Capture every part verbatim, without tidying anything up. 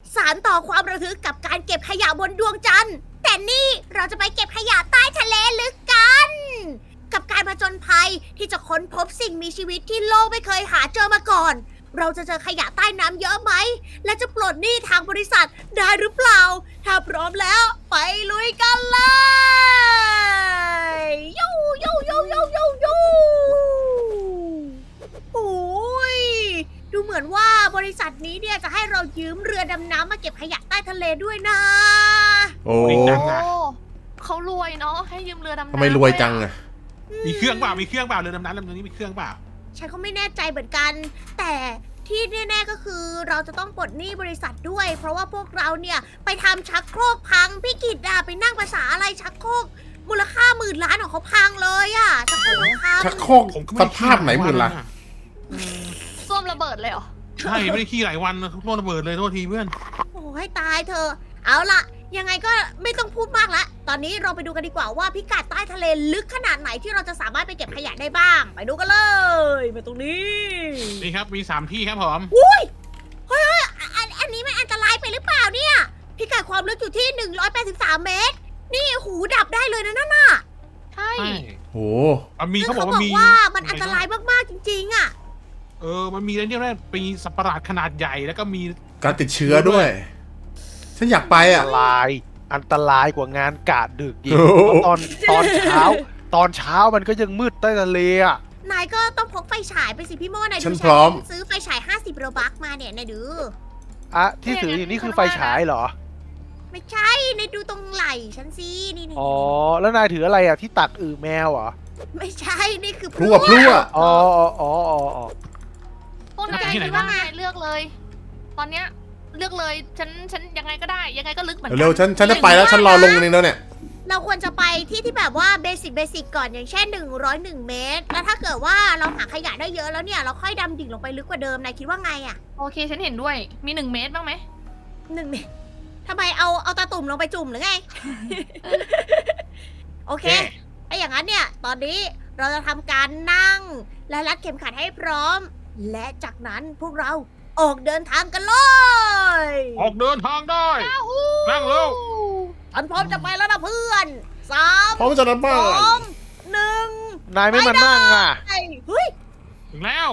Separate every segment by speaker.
Speaker 1: สานต่อความระทึกกับการเก็บขยะบนดวงจันทร์แต่นี่เราจะไปเก็บขยะใต้ทะเลลึกกัน กับการผจญภัยที่จะค้นพบสิ่งมีชีวิตที่โลกไม่เคยหาเจอมาก่อน เราจะเจอขยะใต้น้ำเยอะไหม และจะปลดหนี้ทางบริษัทได้หรือเปล่า ถ้าพร้อมแล้วไปลุยกันเลยยูยูยูยูยูยูโอ้ยดูเหมือนว่าบริษัทนี้เนี่ยจะให้เรายืมเรือดำน้ำมาเก็บขยะใต้ทะเลด้วยนะ
Speaker 2: โอ้
Speaker 3: โอ้
Speaker 4: เขารวยเนาะให้ยืมเรือดำน้ำ
Speaker 2: ทำไมรวยจังอะ
Speaker 3: มีเครื่องเปล่ามีเครื่องเปล่าเรือดำน้ำลำนี้มีเครื่องเปล่า
Speaker 1: ฉันก็ไม่แน่ใจเหมือนกัน แต่ที่แน่ๆก็คือเราจะต้องปลดหนี้บริษัทด้วย เพราะว่าพวกเราเนี่ยไปทำชักโครกพังพี่กิตอะไปนั่งภาษาอะไรชักโครกมูลค่าหมื่นล้านของเขาพังเลยอะชักโครกพัง
Speaker 2: ชักโครก
Speaker 3: ผมก็
Speaker 2: ส
Speaker 3: ไม่
Speaker 2: ภาพไหนหมื่นละ
Speaker 4: ส้วมระเบิดเลยเหรอ
Speaker 3: ใช่ไม่ได้ขี้หลายวันโดนระเบิดเลยโทษทีเพื่อน
Speaker 1: โอ้ให้ตายเธอะเอาล่ะ ยังไงก็ไม่ต้องพูดมากละตอนนี้เราไปดูกันดีกว่าว่าพิกัดใต้ทะเลลึกขนาดไหนที่เราจะสามารถไปเก็บขยะได้บ้าง ไปดูกันเลยมาตรงนี้
Speaker 3: นี่ครับมีสามที่ครับผม
Speaker 1: อุ้ยเฮ้ยเฮ้ยอันอันนี้มันอันตรายไปหรือเปล่าเนี่ย พิกัดความลึกอยู่ที่หนึ่งร้อยแปดสิบสามเมตร นี่หูดับได้เลยนะนั่นน่ะ
Speaker 4: ใช่
Speaker 3: ใช่
Speaker 2: โห
Speaker 3: มันมี
Speaker 1: ซึ่
Speaker 3: เขา
Speaker 1: ง
Speaker 3: บอกว่ามี
Speaker 1: ว่ามันอันตรายมากๆจริงๆอ่ะ
Speaker 3: เออมันมีอะไรเนี่ยนะปีสัตว์ประหลาดขนาดใหญ่แล้วก็มี
Speaker 2: การติดเชื้อด้วย ฉันอยากไป
Speaker 5: อั
Speaker 2: อ่ะ
Speaker 5: นตรายอันตรายกว่างานกะดึกอีก
Speaker 2: โอ้โห
Speaker 5: เพราะตอนตอนเช้า ตอนเช้ามันก็ยังมืดใต้ทะเลอ่ะ
Speaker 1: นายก็ต้องพกไฟฉายไปสิพี่โม่นายดู
Speaker 2: ฉันพร้อม
Speaker 1: ซื้อไฟฉายห้าสิบโรบัคมาเนี่ยนายดู
Speaker 5: อะที่ถืออยู่นี่คือไฟฉายเหรอ
Speaker 1: ไม่ใช่นายดูตรงไหล่ฉันสินี่นี่
Speaker 5: อ๋อ แล้วนายถืออะไรอ่ะที่ตักอือแมวเหรอ
Speaker 1: ไม่ใช่ นี่คือ
Speaker 2: พลั่วพลั่ว
Speaker 5: อ๋ออ๋ออ๋ออ๋ออ๋อ
Speaker 4: พวกนายคิดว่าไงเลือกเลย ตอนเนี้ยเลือกเลย ฉัน ฉันยังไงก็ได้ ยังไงก็ลึกเหมือนกั
Speaker 2: เร็วๆฉันฉันจะไปแล้วฉันรอลงนึงแล้วเนี่ย
Speaker 1: เราควรจะไปที่ที่แบบว่าเบสิกเบสิกก่อนอย่างเช่นหนึ่งร้อยหนึ่งเมตร แล้วถ้าเกิดว่าเราหาขยะได้เยอะแล้วเนี่ย เราค่อยดำดิ่งลงไปลึกกว่าเดิมนายคิดว่าไงอะ
Speaker 4: โอเค ฉันเห็นด้วย มีหนึ่งเมตรบ้างไหม
Speaker 1: หนึ่งเมตรทำไมเอาเอาตาตุ่มลงไปจุ่มหรือไง โอเค ถ้าอย่างนั้นเนี่ย ตอนนี้เราจะทำการนั่ง และรัดเข็มขัดให้พร้อม และจากนั้นพวกเราออกเดินทางกันเลย
Speaker 3: ออกเดินทางได้นั่งเร็ว
Speaker 1: ฉันพร้อมจะไปแล้วนะเพื่อนสาม
Speaker 2: พร้อมจะนัด
Speaker 1: ส
Speaker 2: บ้าง
Speaker 1: องหนึ่ง
Speaker 5: นายไม่มานั่งอ่ะ
Speaker 1: ไปเฮ้ย
Speaker 3: ถึงแล้ว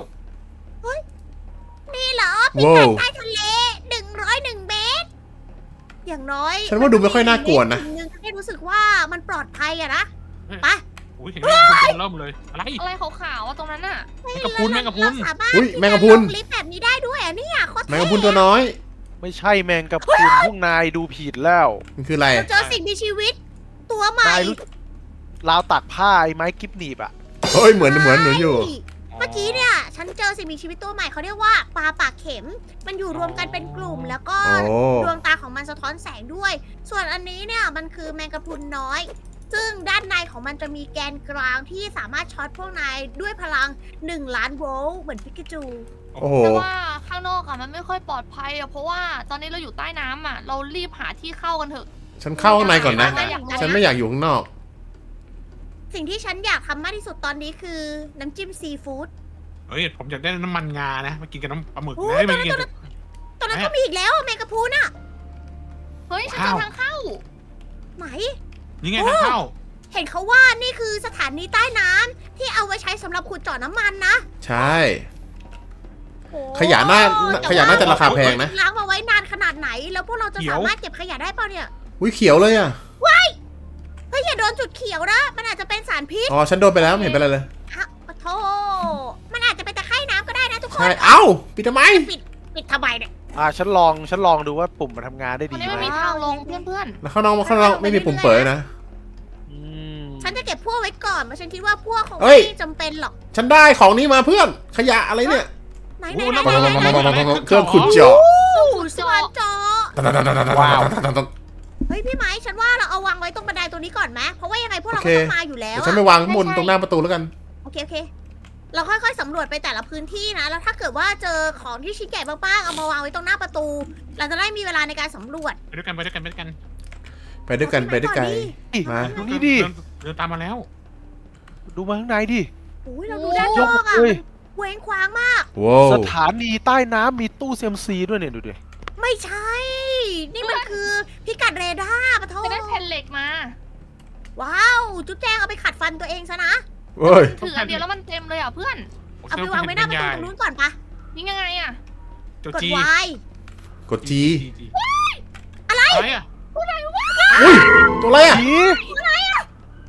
Speaker 1: นี่เหรอพิ
Speaker 2: ว้า
Speaker 1: กัด
Speaker 2: ว
Speaker 1: ใต้ทะเลหนึ่งร้อยหนึ่งเมตร อย่างน้อย
Speaker 2: ฉันว่าดูไม่ค่อยน่ากลัวนะ
Speaker 1: สิ่งหนึ่งที่รู้สึกว่ามันปลอดภัยอะนะ ไป
Speaker 3: อุ้ยเห็นไหมคุณเริ่มเลยอะไร
Speaker 4: อะไรขาวๆอะตรงนั้นอะ
Speaker 3: แมงกะพรุนแมงกะพรุน
Speaker 1: เราสามารถ
Speaker 2: อุ๊ย
Speaker 1: ที่จะ
Speaker 2: แมงกะพรุน
Speaker 1: ลงลิฟต์แบบนี้ได้ด้วยอะเนี่ยโคตร
Speaker 2: แม
Speaker 1: เท่
Speaker 2: งกะพรุนตัวน้อย
Speaker 5: ไม่ใช่แมงกะพรุนพวกนายดูผิดแล้ว
Speaker 2: มันคืออะไร
Speaker 1: เราเจอสิ่งมีชีวิต ตัวใหม่
Speaker 5: นายรู้ราวตักผ้าไอ้ไม้กิฟหนีบอ่ะ
Speaker 2: เฮ้ยเหมือนเหมือนเหมือนอยู่
Speaker 1: เมื่อกี้เนี่ย ฉันเจอสิ่งมีชีวิตตัวใหม่เขาเรียกว่าปลาปากเข็ม มันอยู่รวมกันเป็นกลุ่ม แล้วก็
Speaker 2: โอ้
Speaker 1: ดวงตาของมันสะท้อนแสงด้วย ส่วนอันนี้เนี่ยมันคือแมงกะพรุนน้อย ซึ่งด้านในของมันจะมีแกนกลางที่สามารถช็อตพวกนายด้วยพลังหนึ่งล้านโวลต์เหมือนพิกาจู
Speaker 2: โอ้โห
Speaker 4: แต่ว่าข้างนอกอะมันไม่ค่อยปลอดภัยอะเพราะว่าตอนนี้เราอยู่ใต้น้ำอะเรารีบหาที่เข้ากันเถอะ
Speaker 2: ฉันเข้าข้างในก่อนนะ
Speaker 4: ไม่อยาก
Speaker 2: ฉันไม่อยากอยู่ข้างนอก
Speaker 1: สิ่งที่ฉันอยากทำมากที่สุดตอนนี้คือน้ำจิ้มซีฟู้ด
Speaker 3: เฮ้ยผมอยากได้น้ำมันงานะมากินกับน้ำปลาหมึก
Speaker 1: โอ้
Speaker 3: นะ
Speaker 1: ย
Speaker 3: ไม่กินกับ
Speaker 1: ตอนนั้น
Speaker 3: แม่
Speaker 1: ก็มีอีกแล้วอะแมงกะพรุนอะ
Speaker 4: เฮ้ย ฉันเจอ
Speaker 3: ว้าว
Speaker 4: ทางเข้า
Speaker 1: ไหน
Speaker 3: นี่ไงทางเข้า
Speaker 1: เห็นเขาว่านี่คือสถานีใต้น้ำที่เอาไว้ใช้สำหรับขุดเจาะน้ำมันนะ
Speaker 2: ใช่
Speaker 1: โอ้
Speaker 2: ขยะน่า
Speaker 1: แต่
Speaker 2: ขยะน่าจะราคาแพงนะ
Speaker 1: ล้างมาไว้นานขนาดไหน แล้วพวกเราจะสามารถเก็บขยะได้เปล่าเนี่ย
Speaker 2: อุ้ยเขียวเลยอ่ะ
Speaker 1: เฮ้ยอย่าโดนจุดเขียวนะ มันอาจจะเป็นสารพิษ
Speaker 2: อ๋อ ฉันโดนไปแล้วไม่เห็นเป็นไรเลย
Speaker 1: ฮะโอ้โธ่มันอาจจะเป็นตะไคร่น้ำก็ได้นะทุกค
Speaker 2: ใช่
Speaker 1: น
Speaker 2: เอ้า ปิดทำไม
Speaker 1: ปิดปิดทำไมเนี่ย
Speaker 5: อ่าฉันลองฉันลองดูว่าปุ่มมันทำงานได้
Speaker 4: ตอน
Speaker 5: ดี
Speaker 4: นี้
Speaker 5: ไห
Speaker 4: มัน
Speaker 5: ม
Speaker 4: มีทางลงเพื่อน
Speaker 2: แล้วข้างนอกข้างนอกไม่มีปุ่มเปิดนะ
Speaker 5: อืม
Speaker 1: ฉันจะเก็บพวกไว้ก่อนเพราะฉันคิดว่าพวกคง
Speaker 2: เฮ้ย
Speaker 1: ไม่จำเป็นหรอก
Speaker 2: ฉันได้ของนี้มาเพื่อน ขยะอะไรเนี่ย
Speaker 1: ไหน
Speaker 3: โอ้
Speaker 1: ไหน
Speaker 3: โห
Speaker 1: ไหนไหนไหนไหน
Speaker 2: เครื่องขุดเจาะ
Speaker 1: โอ้โหสวรรค์เจาะ
Speaker 5: ว้าว
Speaker 1: เฮ้ยพี่ไม้ฉันว่าเราเอาวางไว้ตรงบันไดตัวนี้ก่อนไหมเพราะว่ายังไงพวกเรา
Speaker 2: โอ
Speaker 1: ก็
Speaker 2: เค
Speaker 1: ต้องมาอยู่แล้ว
Speaker 2: เดี๋ยว
Speaker 1: อะ
Speaker 2: ฉันไปวางข้างบนตรงหน้าประตูแล้วกัน
Speaker 1: โอเคโอเค เราค่อยๆสำรวจไปแต่ละพื้นที่นะ แล้วถ้าเกิดว่าเจอของที่ชิ้นใหญ่มากๆเอามาวางไว้ตรงหน้าประตู เราจะได้มีเวลาในการสำรวจ
Speaker 3: ไปด้วยกันไปด้วยกันไปด้วยกัน
Speaker 2: ไปด้วยกันไปด้วยกัน มา
Speaker 5: ดูนี่ดิ
Speaker 3: เดินเดินตามมาแล้ว
Speaker 5: ดูมาข้างในดิ
Speaker 1: โอ้ยเราดูด้านนอกอะ
Speaker 5: ยกเลย
Speaker 1: เว้งคว้างมาก
Speaker 2: ว้าว
Speaker 5: สถานีใต้น้ำมีตู้เซียมซีด้วยเนี่ยดูดิ
Speaker 1: ไม่ใช่พิกัดเรดาร์ปะโท
Speaker 4: จะได้แผ่นเหล็กมา
Speaker 1: ว้าว จุ๊บแจงเอาไปขัดฟันตัวเองซะนะ
Speaker 2: เฮ้ย
Speaker 4: ถืออันเดียวแล้วมันเต็มเลยอ่ะเพื่อน
Speaker 1: เอาไปวางไว้หน้าประตูตรงนู้นก่อนปะ
Speaker 4: ยิงยังไงอ่ะ
Speaker 3: ตัว
Speaker 1: กด
Speaker 3: จี
Speaker 1: วาย
Speaker 2: กดจี
Speaker 3: อะไรอ่ะ
Speaker 2: อุ้ย ตัวอะไรอ่ะ
Speaker 5: ผี
Speaker 3: สีอะไรอ่ะ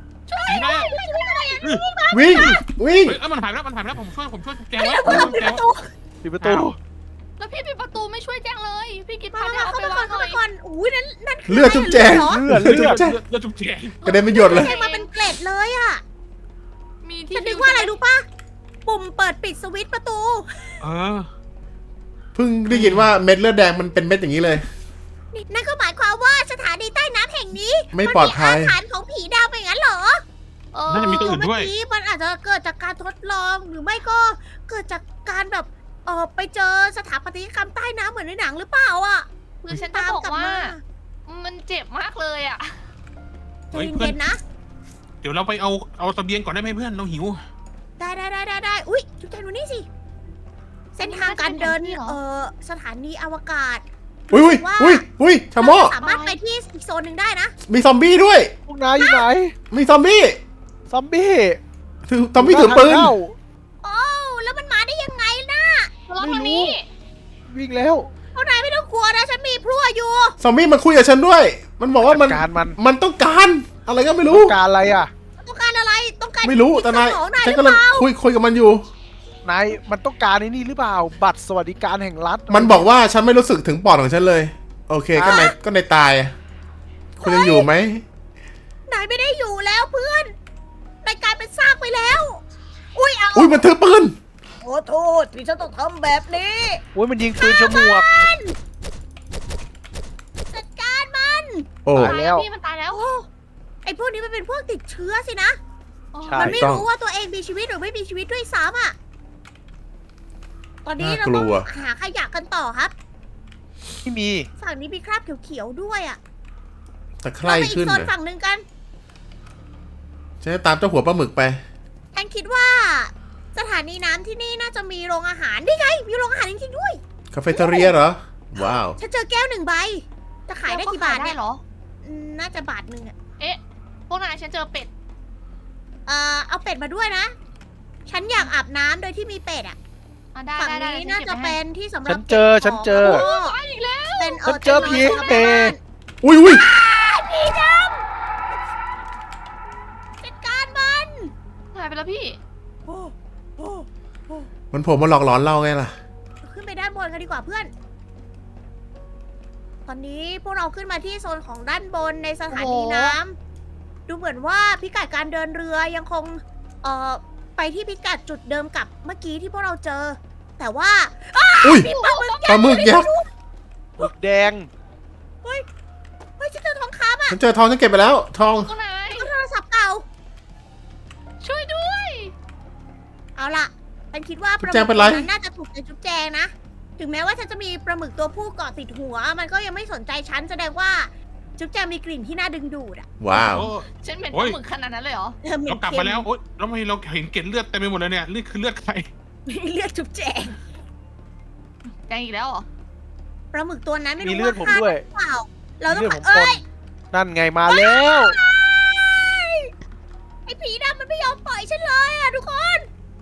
Speaker 2: วิ่ง วิ่ง
Speaker 3: เฮ้ยเอ้ยมันหายไปแล้วมันหายไปแล้วผมช่วยผมช่วยแกงไว้
Speaker 1: เปิด
Speaker 3: ผมช่วยแกง
Speaker 1: ประ
Speaker 3: ไว้
Speaker 1: ตู
Speaker 5: ปิดประตู
Speaker 3: อ้าว
Speaker 4: แล้วพี่ปิดประตูไม่ช่วยแจ้งเลย พี่กิด
Speaker 1: มา
Speaker 4: พา
Speaker 1: มา
Speaker 4: แจ้ง
Speaker 1: เข้า
Speaker 4: เอา
Speaker 1: ไป
Speaker 4: ไป
Speaker 1: ก่อ
Speaker 4: วาน งห
Speaker 1: เข้า
Speaker 4: น่
Speaker 1: ไป
Speaker 4: อย
Speaker 1: ก่อนอุ้ยนั่นนั่นคื
Speaker 2: เลือดจุ๊บแจง
Speaker 1: เหรอ
Speaker 5: เลือด
Speaker 2: เลือด
Speaker 5: เลือด
Speaker 2: แจง
Speaker 3: เลือดจุ๊บแจง
Speaker 2: กระเด็นไปหยดเลย
Speaker 1: แจงมาเป็นเกล็ดเลยอะ
Speaker 4: มีที่
Speaker 1: ฉันนึกว่าอะไรรู้ปะปุ่มเปิดปิดสวิตช์ประตู
Speaker 3: เออ
Speaker 2: เพิ่งได้ยินว่าเม็ดเลือดแดงมันเป็นเม็ดอย่างนี้เลย
Speaker 1: นี่นั่นก็หมายความว่าสถานีใต้น้ำแห่งนี้
Speaker 2: ไม่ปลอดภัย
Speaker 1: มันมีอาถรรพ์ของผีดาวไปงั้นเหรอ
Speaker 4: เออ
Speaker 3: น่าจะมีตัวอื่น
Speaker 1: เมื่
Speaker 3: ด้วย
Speaker 1: อกี้มันอาจจะเกิดจากการทดลองหรือไม่ก็เกิดจากการแบบเออไปเจอสถาปัตยกรรมใต้น้ำเหมือนในหนังหรือเปล่าอ่ะ
Speaker 4: คือฉันจะบอกว่า มันเจ็บมากเลยอ่ะ
Speaker 1: ใจ
Speaker 3: เฮ้ยเพื่อน
Speaker 1: เย็นๆนะ
Speaker 3: เดี๋ยวเราไปเอาเอาเสบียงก่อนได้ไหมเพื่อนเราหิว
Speaker 1: ได้ได้ได้ได้ได้อุ้ยจุ๊บแจงดูนี่สิ เส้นทางการเดิน
Speaker 4: นี่เหรอ
Speaker 1: เออสถานีอวกาศ
Speaker 2: อุ้ยอุ้ยอุ้ยอุ้ยชะโมอ
Speaker 1: เราสามารถไปที่อีกโซนหนึ่งได้นะ
Speaker 2: มีซอมบี้ด้วย
Speaker 5: พวกนายอยู่ไหน
Speaker 2: มีซอมบี้
Speaker 5: ซอมบี้
Speaker 2: ถือซอมบี้ถือปืน
Speaker 5: ทางเข้า
Speaker 1: โอ้แล้วมันมาได้ยังไงนะ
Speaker 4: เราทางนี้
Speaker 5: วิ่งแล้ว
Speaker 1: พวกนายไม่ต้องกลัวนะ ฉันมีพลั่วอยู่
Speaker 2: ซอมบี้มันคุยกับฉันด้วย มันบอกว่ามัน
Speaker 5: จัดการมัน
Speaker 2: มันต้องการอะไรก็ไม่รู้
Speaker 5: การอะไรอ่ะ
Speaker 1: ต้องการอะไรต้องการ
Speaker 2: ไม่รู้แต่นาย
Speaker 1: สมองนายห
Speaker 2: ฉัน
Speaker 1: รือก
Speaker 2: ำลัง
Speaker 1: เปล่า
Speaker 2: คุยคุยกับมันอยู่
Speaker 5: นายมันต้องการไอ้นี่หรือเปล่า บัตรสวัสดิการแห่งรัฐ
Speaker 2: มันบอกว่าฉันไม่รู้สึกถึงปอดของฉันเลย โอเคก็ในก็ในตาย คุณยังอยู่ไหม
Speaker 1: นายไม่ได้อยู่แล้วเพื่อนนายกลายเป็นซากไปแล้ว อุ้ยเอา
Speaker 2: อุ้ยมันถือปืน
Speaker 1: ขอโทษที่ฉันต้องทำแบบนี้
Speaker 5: โอ้ยมันยิงปืนฉมวก
Speaker 1: มันจัดการมัน
Speaker 2: โอ้
Speaker 5: ตายแล้ว
Speaker 4: พี่มันตายแล้ว
Speaker 1: โอ้ไอพวกนี้มันเป็นพวกติดเชื้อสินะ
Speaker 5: ใช่
Speaker 1: มันไม่
Speaker 2: ต้อง
Speaker 1: รู้ว่าตัวเองมีชีวิตหรือไม่มีชีวิตด้วยซ้ำอ่ะ ตอนนี้เรา
Speaker 2: น่ากลั
Speaker 1: ต้อง
Speaker 2: ว
Speaker 1: หาขยะกันต่อครับ
Speaker 5: ไม่มี
Speaker 1: ฝั่งนี้มีคราบเขียวๆด้วยอ่ะ
Speaker 2: แต่ใคร
Speaker 1: เราไปอี
Speaker 2: ขึ้
Speaker 1: ก
Speaker 2: น
Speaker 1: โซน
Speaker 2: น่ะ
Speaker 1: ฝั่งหนึ่งกัน
Speaker 2: ฉันจะตามเจ้าหัวปลาหมึกไป
Speaker 1: ฉันคิดว่า สถานีน้ำที่นี่น่าจะมีโรงอาหารนี่ไง มีโรงอาหารจริงๆด้วย
Speaker 2: คาเฟ่เทเรียเหรอ ว้าว
Speaker 1: ฉันเจอแก้วหนึ่งใบ จะขายได้กี่บาท
Speaker 4: ได้
Speaker 1: เนี่ย
Speaker 4: เหรอ
Speaker 1: อืมน่าจะบาทหนึ่งอะ
Speaker 4: เอ๊ะ พวกนายฉันเจอเป็ด
Speaker 1: เอ่อเอาเป็ดมาด้วยนะ ฉันอยากอาบน้ำโดยที่มีเป็ดอะ
Speaker 4: อ่ะได้
Speaker 1: ฝั่ง
Speaker 4: ได้ได้
Speaker 1: นี้
Speaker 4: ฉั
Speaker 1: น่า
Speaker 4: ก็บ
Speaker 1: จะ
Speaker 4: ไว้
Speaker 1: เป็
Speaker 4: ให้
Speaker 1: นที่สำหรั
Speaker 5: ฉั
Speaker 1: บ
Speaker 5: นเจอฉันเจอ
Speaker 1: ก็บของ
Speaker 4: ตายอีกแล้ว
Speaker 1: เป็นเอ
Speaker 5: ฉั
Speaker 1: อน
Speaker 5: เจอผี
Speaker 1: ต็นท์นอน
Speaker 5: เป
Speaker 1: สำหรับ
Speaker 2: อุ้ยอุ้ย
Speaker 1: ผีดำจัดการมัน
Speaker 4: หายไปแล้วพี่
Speaker 2: มันโผมมาหลอกหลอนเราไงล่ะ
Speaker 1: ขึ้นไปด้านบนกันดีกว่าเพื่อน ตอนนี้พวกเราขึ้นมาที่โซนของด้านบนในสถานี
Speaker 4: โอ้โห
Speaker 1: น้ำดูเหมือนว่าพิกัดการเดินเรือยังคง เอ่อ ไปที่พิกัดจุดเดิมกับเมื่อกี้ที่พวกเราเจอ แต่ว่า
Speaker 2: อุ้ย
Speaker 1: มีปลาหมึก
Speaker 2: ปลาหมึกยักษ์
Speaker 5: หมึกแดง
Speaker 1: เฮ้ยฉันเจอทองคำอ่ะ
Speaker 2: ฉันเจอทองฉันเก็บไปแล้ว ทอง
Speaker 4: พวกนาย
Speaker 1: แล้วก็โทรศัพท์เก่า
Speaker 4: ช่วยด้วย
Speaker 1: เอาล่ะ ฉันคิดว่าปลาหมึ
Speaker 2: จุ๊บแจง
Speaker 1: ก
Speaker 2: เป็
Speaker 1: ตั
Speaker 2: นไร
Speaker 1: วนั้นน่าจะถูกใจจุ๊บแจงนะ ถึงแม้ว่าฉันจะมีปลาหมึกตัวผู้เกาะติดหัว มันก็ยังไม่สนใจฉันแสดงว่าจุ๊บแจงมีกลิ่นที่น่าดึงดูดอ่ะ
Speaker 2: ว้าว
Speaker 3: โอ้
Speaker 4: ฉันเป็น
Speaker 3: โอ้
Speaker 4: ปลาย หมึกขนาดนั้นเลยเหรอ
Speaker 1: เออเหม็
Speaker 3: เรา
Speaker 1: น
Speaker 3: กลับ
Speaker 1: เค็
Speaker 3: มาม แล้วโอ๊ยแล้วทำไมเราเห็นเกล็ดเลือดเต็มไปหมดเลยเนี่ยนี่คือเลือดใคร
Speaker 1: เลือดจุ๊บแจง
Speaker 4: แจงอีกแล้วเหรอ
Speaker 1: ปลาหมึกตัวนั้นไม่
Speaker 5: มี
Speaker 1: รู้
Speaker 5: เลือด
Speaker 1: ว่า
Speaker 5: ผมด้วย
Speaker 1: ฆ่าหรือเปล่า เราต้อง
Speaker 5: มีเลือดผม
Speaker 1: เอ้ย
Speaker 5: ปน นั่นไงมาแล้ว
Speaker 1: ไอ้ผีดำมันไม่ยอมปล่อยฉันเลยอ่ะทุกคน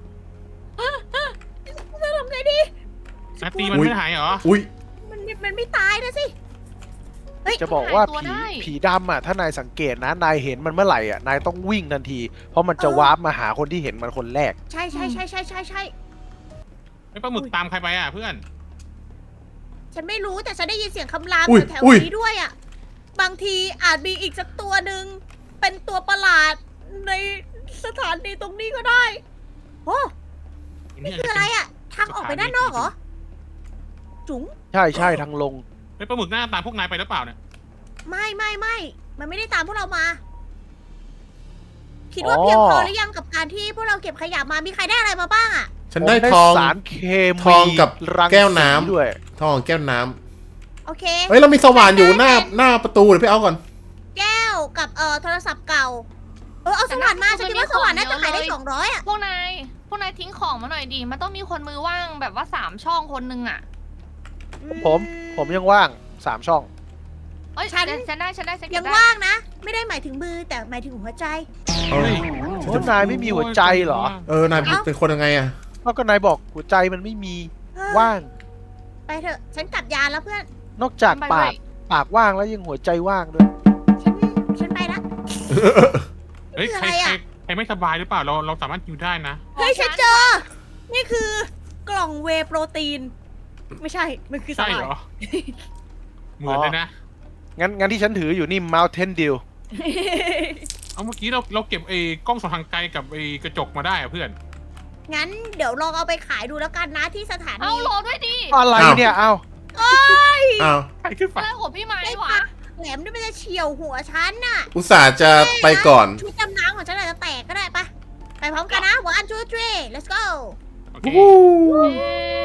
Speaker 1: จะทำไงดี
Speaker 3: นาตีมัน
Speaker 2: อุ๊ย
Speaker 3: ไม่หายเหรอ
Speaker 2: อุ้ย
Speaker 1: มันมันไม่ตายนะสิ เฮ้ย
Speaker 5: จะบอกว่า
Speaker 4: หายตัว
Speaker 5: ผี
Speaker 4: ได้
Speaker 5: ผีดำอ่ะ ถ้านายสังเกตนะ นายเห็นมันเมื่อไหร่อ่ะ นายต้องวิ่งทันที เพราะมันจะ
Speaker 1: เออ
Speaker 5: วาร์ปมาหาคนที่เห็นมันคนแรก
Speaker 1: ใช่ใช่ใช่ใช่ใช่ใช่
Speaker 3: ไอ้ปลาหมึกตามใครไปอ่ะเพื่อน
Speaker 1: ฉันไม่รู้แต่ฉันได้ยินเสียงคำราม
Speaker 2: อุ๊ย
Speaker 1: แถว
Speaker 2: อุ๊ย
Speaker 1: ๆนี้ด้วยอ่ะ บางทีอาจมีอีกสักตัวหนึ่งเป็นตัวประหลาดในสถานีตรงนี้ก็ได้โอ้นี่คืออะไรอ่ะ ทางออกไปด้านนอกเหรอ จุ๋ง
Speaker 5: ใช่ใช่ทางลง
Speaker 3: ไอ้ปลาหมึกหน้าตามพวกนายไปหรือเปล่าเนี่ย
Speaker 1: ไม่ไม่ไม่มันไม่ได้ตามพวกเรามา คิดว่า
Speaker 5: อ๋อ
Speaker 1: เพียงพอหรือยังกับการที่พวกเราเก็บขยะมามีใครได้อะไรมาบ้างอ่ะ
Speaker 2: ฉันได้
Speaker 5: ผม
Speaker 2: ทอง
Speaker 5: สารเคมี
Speaker 2: ทองกับ
Speaker 5: รัง
Speaker 2: แก้วน้ำ
Speaker 5: สีด้วย
Speaker 2: ทองแก้วน้ำ
Speaker 1: โอเค
Speaker 2: เฮ้ยเรามีสว่านอยู่หน้าหน้าประตูเดี๋ยวไปเอาก่อน
Speaker 1: แก้วกับเอ่อโทรศัพท์เก่า เออเอาสว่านมาฉันคิดว่าสว่านน่าจะขายได้สองร้อยอ่ะ
Speaker 4: พวกนาย พวกนายทิ้งของมาหน่อยดิ มันต้องมีคนมือว่างแบบว่าสามช่องคนนึงอ่ะ
Speaker 5: ผม ผมยังว่างสามช่อง
Speaker 4: เอ้ย
Speaker 1: ฉัน
Speaker 4: ฉันได้ฉันได้ฉันเก็
Speaker 1: ยั
Speaker 4: บ
Speaker 1: ง
Speaker 4: ได้
Speaker 1: ว่างนะ ไม่ได้หมายถึงมือแต่หมายถึงหัวใจ
Speaker 2: เออ
Speaker 5: โอ้นายไม่มีหัวใจเหรอ
Speaker 2: เออนายเป็นคนยังไงอะ
Speaker 5: นอกก็นายบอกหัวใจมันไม่มี
Speaker 1: เฮ้ย
Speaker 5: ว่าง
Speaker 1: ไปเถอะ ฉันกลับยานแล้วเพื่อน
Speaker 5: นอกจาก
Speaker 4: ไป
Speaker 5: ปา
Speaker 4: ด้ว
Speaker 5: ก
Speaker 4: ย
Speaker 5: ปากว่างแล้วยังหัวใจว่างด้วย
Speaker 1: ฉัน ฉันไปละ
Speaker 3: เฮ้ย
Speaker 1: คือ
Speaker 3: ใค
Speaker 1: อะ
Speaker 3: ร
Speaker 1: ไร
Speaker 3: ใคร
Speaker 1: อะ
Speaker 3: ใครไม่สบายหรือเปล่าเราเราสามารถอยู่ได้นะ
Speaker 1: เฮ้ย ฉันเจอ นี่คือกล่องเวย์โปรตีน ไม่ใช่ มันคือส
Speaker 3: ใช่
Speaker 1: ลา
Speaker 3: เหร
Speaker 1: ย
Speaker 3: อ เหมือนเลยนะ
Speaker 5: งั้นงั้นที่ฉันถืออยู่นี่ Mountain Dew
Speaker 3: เอาเมื่อกี้เราเราเก็บไอ้กล้องส่องทางไกลกับไอ้กระจกมาได้อะเพื่อน
Speaker 1: งั้นเดี๋ยวลองเอาไปขายดูแล้วกันนะที่สถา
Speaker 4: เอา
Speaker 1: นี
Speaker 4: รอด้วยดิ
Speaker 5: อะไรเนี่ย เอ้า
Speaker 2: อ้าว
Speaker 3: ใครขึ้นไป
Speaker 4: อะไรของพี่ไม้
Speaker 1: ได้
Speaker 4: วะ
Speaker 1: ปะแหลมนี่มันจะเฉียวหัวฉันน่ะ
Speaker 2: อุตส่าห์จะไปก่อน
Speaker 1: ชุดดำน้ำของฉันอาจจะแตกก็ได้ปะไปพร้อมกันนะ one two three let's go
Speaker 3: โอเค
Speaker 4: เย้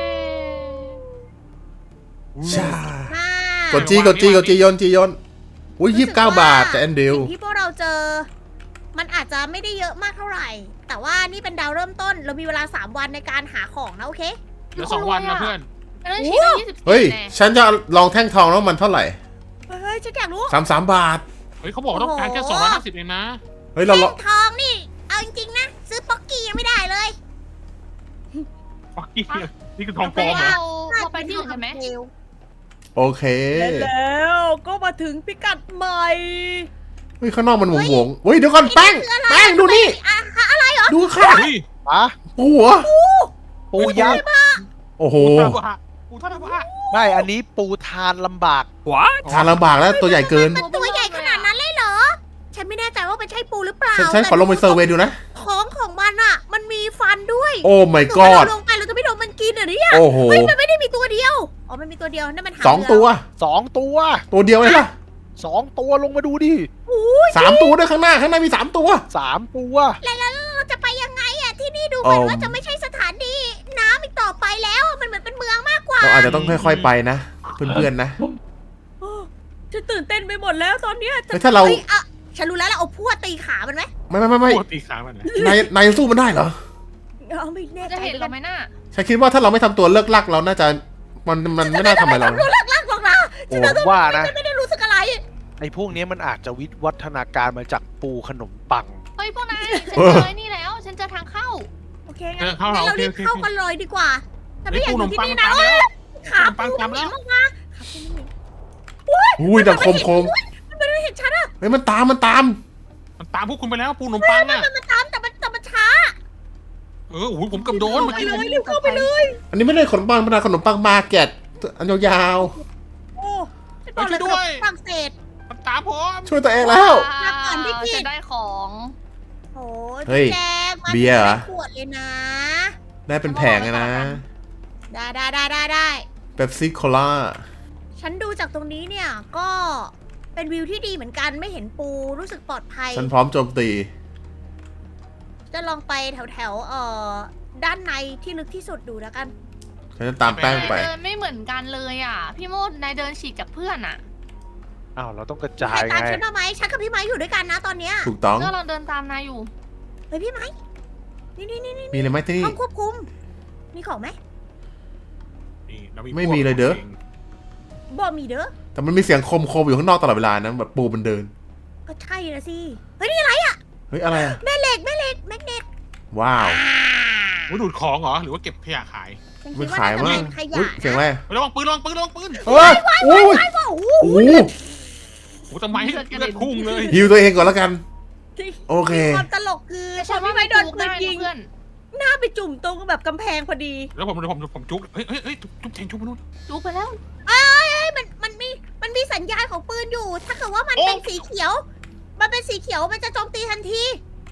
Speaker 2: ชา
Speaker 1: มาก
Speaker 2: ดจีกดจีกดจีโยนจีโยนอุ้ยยี่สิบเก้าบาทแต่แอนดิว
Speaker 1: สิ่งที่พวกเราเจอ มันอาจจะไม่ได้เยอะมากเท่าไหร่ แต่ว่านี่เป็นดาวเริ่มต้น เรามีเวลาสามวันในการหาของนะโอเค
Speaker 3: เหลือสองวันนะเพื่อน
Speaker 4: อันนั้นชิ้นละยี่สิบ
Speaker 2: เฮ้ย
Speaker 4: แน่
Speaker 2: ฉันจะลองแท่งทองแล้วมันเท่าไหร่
Speaker 1: เฮ้ยฉันอยากรู้
Speaker 2: สามสามบาท
Speaker 3: เฮ้ยเขาบอกว่าต้องการแค่สองร้อยห้าสิบเองนะ
Speaker 2: เฮ้ยเรา
Speaker 1: แท่
Speaker 2: ลอง
Speaker 1: งทองนี่ เอาจริงๆนะ ซื้อป๊อกกี้ยังไม่ได้เลย
Speaker 3: ฟักกี้นี่คือทองปลอมเหรอ
Speaker 4: เราเราไปที่อื่นกันไหม
Speaker 2: โอเค
Speaker 1: แล้วก็มาถึงพิกัดใหม่
Speaker 2: เฮ้ยข้างนอกมันหวงหวงๆเฮ้ยเดี๋ยวก่อนแป้งแป้งดูนี่
Speaker 1: อะอะไรเหรอ
Speaker 2: ดูค่ะ
Speaker 3: เฮ้ย
Speaker 5: ปะ
Speaker 2: ปูเหรอ
Speaker 5: ปูยักษ์
Speaker 2: โอ้โห
Speaker 3: ปูทาบะปูทาบะ
Speaker 5: ไม่ อันนี้ปูทานลำบาก
Speaker 2: ทานลำบากแล้วตัวใหญ่เกิน
Speaker 1: มันตัวใหญ่ขนาดนั้นเลยเหรอ ฉันไม่แน่ใจว่าเป็นใช่ปูหรือเปล่า
Speaker 2: ฉันฉันขอลงไปเซอร์เวย์ดูนะ
Speaker 1: ท้องของมันอ่ะ มันมีฟันด้วย
Speaker 2: โอ้ my
Speaker 1: ถ้า
Speaker 2: god
Speaker 1: เราลงไปเราจะไม่โดนมันกินเหรอเนี่ย
Speaker 2: โอ้โห
Speaker 1: เฮ้ยมันไม่ได้มีตัวเดียว อ๋อ มันมีตัวเดียว นั่นมันหาง
Speaker 2: สอง
Speaker 1: เรือ
Speaker 2: ตัว
Speaker 5: สองตัว
Speaker 2: ตัวเดียวเลยล่ะ
Speaker 5: สองตัวลงมาดูดิ
Speaker 2: สามตัวด้วยข้างหน้าข้างหน้ามีสามตัว
Speaker 5: สามตัว
Speaker 1: แล้วแล้วเราจะไปยังไงอ่ะ ที่นี่ดูเหมือน
Speaker 2: อ๋อ
Speaker 1: ว่าจะไม่ใช่สถานีน้ำอีกต่อไปแล้ว มันเหมือนเป็นเมืองมากกว่า
Speaker 2: เราอาจจะต้องค่อยๆไปนะ เพื่อนๆนะ
Speaker 1: ฉันตื่นเต้นไปหมดแล้วตอนเนี้ย
Speaker 2: เฮ้ยถ้าเรา
Speaker 1: ฮ้ยอะฉันรู้แล้วเราเอาพวดตีขามันไหม
Speaker 2: ไม่ไม่ไม่ไม่
Speaker 3: ปูตีขามันนะ
Speaker 2: นายนายสู้มันได้เหรอ
Speaker 1: เอาไม่แน่
Speaker 4: จะ
Speaker 1: ใจ
Speaker 4: เห็น
Speaker 1: เหมือน
Speaker 4: เรา
Speaker 1: กัน
Speaker 4: ไหมน่ะ
Speaker 2: ฉันคิดว่าถ้าเราไม่ทำตัวเลิกลักเราน่าจะมันมันไม่น่าทำอะไรเรา
Speaker 1: รู้เลิกลากหรอกนะ
Speaker 5: โอ้ว่านะ
Speaker 1: ฉันไม่ได้รู้สึกอะไร
Speaker 5: ไอ้พวกนี้มันอาจจะวิวัฒนาการมาจากปูขนมปัง
Speaker 4: เฮ้ยพวกนายฉัน
Speaker 2: เอ
Speaker 4: เจ
Speaker 2: อ
Speaker 4: อไอ้นี่แล้ว ฉันเจอทางเข้า
Speaker 1: โอเค
Speaker 3: เอ
Speaker 1: งั้น
Speaker 3: อเข้าเรา
Speaker 1: งั้น
Speaker 3: โอ
Speaker 1: เรา
Speaker 3: เค
Speaker 1: รีบ
Speaker 3: โอเค
Speaker 1: เข้ากันเลยดีกว่าฉันไม่อยากอยู่ที่นี่นะ
Speaker 3: เฮ้ยปูขนมปัง
Speaker 1: ขา
Speaker 3: ตามแล้ว
Speaker 1: ปูมันเหม็นมากๆขาปูมันเหม็น
Speaker 2: อุ้ยดังคมคม
Speaker 1: มันไม่ได้เห็นฉันอะ
Speaker 2: เฮ้ยมันตามมันตาม
Speaker 3: มันตามพวกคุณไปแล้วปูขนมปังอ่ะ
Speaker 1: มันมันตามแต่มันแต่มันช้า
Speaker 3: เออโอ้โหผมเกับโดนเมื่อ
Speaker 1: ไป
Speaker 3: กี้
Speaker 1: เล
Speaker 3: ผม
Speaker 1: ยรีบเข้าไปเลย
Speaker 2: อันนี้ไม่ได้ขนมปังมันเป็นขนมปังมาร์เก็ตอันยาว
Speaker 1: โอ้ฉันบอกเลยขนมฝรั่งเศส
Speaker 3: มันตามผม
Speaker 2: ๆช่วยตัวเองแล้ว
Speaker 1: มาก่อนพี่กิต
Speaker 4: จะได้ของ
Speaker 1: โอ้
Speaker 2: เฮ้ย
Speaker 1: แจงมา
Speaker 2: เบียร์เหรอ
Speaker 1: ขวดเลยนะ
Speaker 2: ได้เป็นแผงเลยนะ
Speaker 1: ได้ได้ได้ได้ได้
Speaker 2: เป๊ปซี่โคลา
Speaker 1: ฉันดูจากตรงนี้เนี่ยก็เป็นวิวที่ดีเหมือนกันไม่เห็นปูรู้สึกปลอดภัย
Speaker 2: ฉันพร้อมโจมตี
Speaker 1: จะลองไปแถวแถวๆเอ่อด้านในที่ลึกที่สุดดูแล้วกัน
Speaker 2: ฉันจะตามแป้งไป
Speaker 4: นายเดินไม่เหมือนกันเลยอ่ะ พี่โมดนายเดินฉีกจากเพื่อนอ่ะ
Speaker 5: อ้าว เราต้องกระ
Speaker 1: ใค
Speaker 5: จาร ย
Speaker 1: ตาม
Speaker 5: ไง
Speaker 1: ฉันมาไหมฉันกับพี่ไม้อยู่ด้วยกันนะตอนเนี้ย
Speaker 2: ถูกต้อง
Speaker 4: เมื่อเราเดินตามนายอยู่
Speaker 1: เฮ้ยพี่ไม้นี่นี่นี่นี่
Speaker 2: มีอะไรไหมที่นี่
Speaker 1: ห้องควบคุมมีของไหม
Speaker 3: นี่เรา
Speaker 2: ไม่มีเลยเด้อ
Speaker 1: บ่มีเด้อ
Speaker 2: แต่มันมีเสียงคมคมๆอยู่ข้างนอกตลอดเวลานะแบบปูมันเดิน
Speaker 1: ก็ใช่นะสิเฮ้ยนี่อะไร
Speaker 2: เฮ้ยอะไรอะ
Speaker 1: แม่เหล็กแม่เหล็กแมกเนต
Speaker 2: ว้าว
Speaker 3: โอ้ยดูดของเหรอหรือว่าเก็บขยะขาย
Speaker 1: ฉัน
Speaker 2: มั
Speaker 1: คิ
Speaker 2: น
Speaker 1: ดว่า
Speaker 2: ขาย
Speaker 1: น่าจะ
Speaker 2: มั้
Speaker 1: เป็
Speaker 2: ง
Speaker 1: นข
Speaker 2: อุ้
Speaker 1: ยะ
Speaker 2: ยเสียงอะไร
Speaker 3: ระวังปืนระวังปืนระวังปืน
Speaker 2: เฮ้ยโอ้ย
Speaker 1: ว้าวโอ้โห
Speaker 2: โอ้
Speaker 3: โอ้ทำไมให้เลือดพุ่งเลย
Speaker 2: ฮิวตัวเองก่อนแล้วกัน โอเค
Speaker 1: ความตลกคือพ
Speaker 4: ฉั
Speaker 1: อน
Speaker 4: ว่า
Speaker 1: พี่ไม้โดน
Speaker 4: จุก
Speaker 1: ปืน
Speaker 4: ได้
Speaker 1: ยิง
Speaker 4: นะเพื่อน
Speaker 1: หน้าไปจุ่มตรงแบบกำแพงพอดี
Speaker 3: แล้วผมผมผมจุกเฮ้ยเฮ้ยเฮ้ยจุกจุกแทงจุกมนุษย์
Speaker 4: จุกไปแล้ว
Speaker 1: เอ้ยมันมันมีมันมีสัญญาณของปืนอยู่ ถ้าเกิดว่ามัน
Speaker 3: โอ้
Speaker 1: เป็นสีเขียว มันเป็นสีเขียวมันจะโจมตีทันที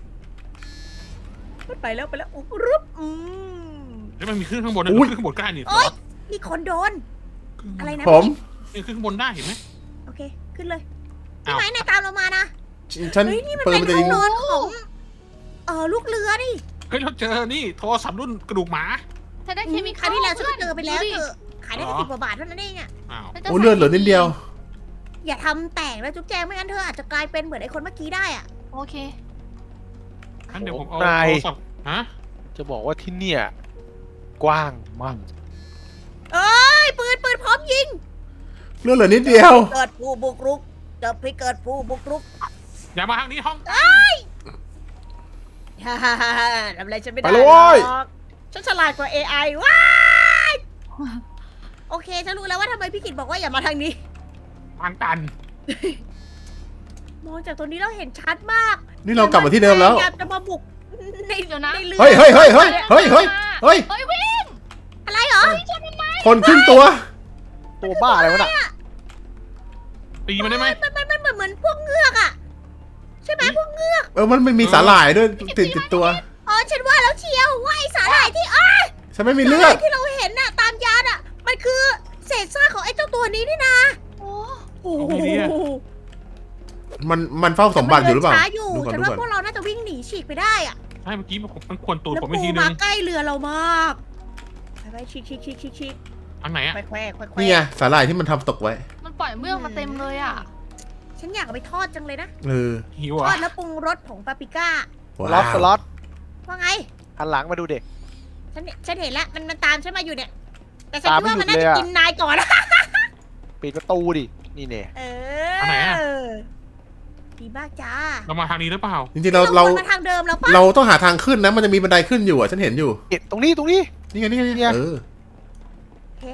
Speaker 1: มันไปแล้วไปแล้วอุ๊บรึบอืม
Speaker 3: แล้วมันมีขึ้นข้างบนนะ
Speaker 2: อุ้ย
Speaker 3: ขึ้นข้างบนกล้านี่
Speaker 1: โอ๊ย มีคนโดน อะไรนะ
Speaker 2: ผม
Speaker 3: นี่ขึ้นข้างบนได้เห็นไหม
Speaker 1: โอเค ขึ้นเลยพี่
Speaker 3: อ้าว
Speaker 1: ไม้นายตามเรามานะ
Speaker 2: ฉัน
Speaker 1: เฮ้ยนี่มัน
Speaker 2: เปิด
Speaker 1: เป็น
Speaker 2: มันจะ
Speaker 1: ห้
Speaker 2: ยิ
Speaker 1: อง
Speaker 2: ง
Speaker 1: นอนของเออลูกเรือนี่
Speaker 3: เฮ้ยเราเจอนี่โทรศัพท์รุ่นกระดูกหมา
Speaker 4: ฉันได้เคมี
Speaker 1: ครั้งที่แล้วฉันก็เจอไปแล้ว
Speaker 4: ดูดิ
Speaker 1: เจอขายได้แค่
Speaker 3: อ๋อ
Speaker 1: สิบกว่าบาทเท่านั้นเองอะ
Speaker 3: อ้าว
Speaker 4: ฉันจะ
Speaker 2: โอ้เลือดเหลือนิดเดียว
Speaker 1: อย่าทำแตกนะจุ๊บแจงไม่งั้นเธออาจจะกลายเป็นเหมือนไอ้คนเมื่อกี้ได้อะ
Speaker 4: โอเค
Speaker 3: งั้นเดี๋ยวผมเอา
Speaker 5: นาย
Speaker 3: โทรศัพท์ฮะ
Speaker 5: จะบอกว่าที่เนี่ย กว้างมาก
Speaker 1: เอ้ยปืนปืนพร้อมยิง
Speaker 2: เลือดเหลือนิดเดียว
Speaker 1: เกิดผู้บุกรุกเจะไปเกิดผู้บุกรุก
Speaker 3: อย่ามาทางนี้ห้อง
Speaker 1: ฮ่าฮ่าฮ่าฮ่าทำอะไรฉันไม่ได้
Speaker 2: ไปเลยเว้ย
Speaker 1: หรอกฉันฉลาดกว่า เอ ไอ ว้ายโอเค ฉันรู้แล้วว่าทำไมพี่กิตบอกว่าอย่ามาทางนี้
Speaker 3: ทางตัน
Speaker 1: มองจากตรงนี้เราเห็นชัดมาก
Speaker 2: นี่เรากลับมาที่เดิมแล้ว
Speaker 1: พยายามจะมาบุกใน
Speaker 4: เดี๋ยวนะ
Speaker 1: ในเรือ
Speaker 2: เฮ้ยเฮ้ยเฮ้ยเฮ้ยเฮ้ยเฮ้ยเฮ้ย
Speaker 4: เฮ้ยวิ่ง
Speaker 1: อะไรเหรอ
Speaker 2: คนขึ้นตัว
Speaker 5: ตัวบ้าอะไรวะน่ะ
Speaker 3: ตีมันได้ไหม
Speaker 1: มันมันมันเหมือนเหมือนพวกเงือกอะใช่ไหมพวกเงือก
Speaker 2: เออมันไม่มีสาหร่ายด้วยติดติดตัว
Speaker 1: อ๋อฉันว่าแล้วเชียวว่าไอสาหร่ายที่อ้า
Speaker 2: ฉันไม่มี
Speaker 1: สา
Speaker 2: เลื
Speaker 1: ห
Speaker 2: อ
Speaker 1: ร่า
Speaker 2: ด
Speaker 1: ยที่เราเห็นน่ะตามยานอะมันคือเศษซากของไอ้เจ้าตัวนี้นี่นะ
Speaker 4: โอ้
Speaker 1: โอ้โห
Speaker 2: มันมันเฝ้าสมบัติอยู่หรือเปล่า
Speaker 1: ช้าอยู่
Speaker 2: ดูก่อน
Speaker 1: ฉัน
Speaker 2: ดู
Speaker 1: ว่า
Speaker 2: ก่อน
Speaker 1: พวกเราน่าจะวิ่งหนีฉีกไปได้อะ
Speaker 3: ใช่เมื่อกี้มันมันควรตูด
Speaker 1: แล้ว
Speaker 3: ผมไป
Speaker 1: ปู
Speaker 3: ทีนึ
Speaker 1: มาง ใกล้เรือเรามากไปไปฉีกฉีกฉีกฉีกฉีก
Speaker 3: ทางไหนอะ
Speaker 1: แควแควแควแคว
Speaker 2: นี่ไงสาหร่ายที่มันทำตกไว้
Speaker 4: มันปล่อยเมือกมาเต็มเลยอ่ะ
Speaker 1: ฉันอยากเอาไปทอดจังเลยนะ
Speaker 2: เออ
Speaker 3: หิว
Speaker 1: ทอ
Speaker 3: อ่ะ
Speaker 1: ดแล้วปรุงรสผงปาปริก้า
Speaker 5: สล็อตสล็อต
Speaker 1: ว่าไง
Speaker 5: หันหลังมาดูเด็ก
Speaker 1: ฉันฉันเห็นแล้วมันมันตามฉันมาอยู่เนี่ย แต่ฉัน
Speaker 5: ตาม
Speaker 1: คิดว่า
Speaker 5: ไม่
Speaker 1: มัน
Speaker 5: หยุ
Speaker 1: น่า
Speaker 5: ดเลย
Speaker 1: จะ
Speaker 5: อะ
Speaker 1: กินนายก่อนนะ
Speaker 5: ปิดประตูดิ นี่เนี่ย
Speaker 1: เอ
Speaker 3: อันไหนอะ
Speaker 1: อดีมากจ้า
Speaker 3: เรามาทางนี้หรือเปล่า
Speaker 2: จริงๆเราเรา
Speaker 1: วนมาทางเดิมแล้วปะ
Speaker 2: เราต้องหาทางขึ้นนะมันจะมีบันไดขึ้นอยู่อ่ะฉันเห็นอยู่
Speaker 5: เอ็ดตรงนี้ตรงนี้
Speaker 2: นี่ไงนี่ไงนี่
Speaker 5: เนี่
Speaker 2: ไง
Speaker 5: ย
Speaker 2: เออ
Speaker 1: โอเค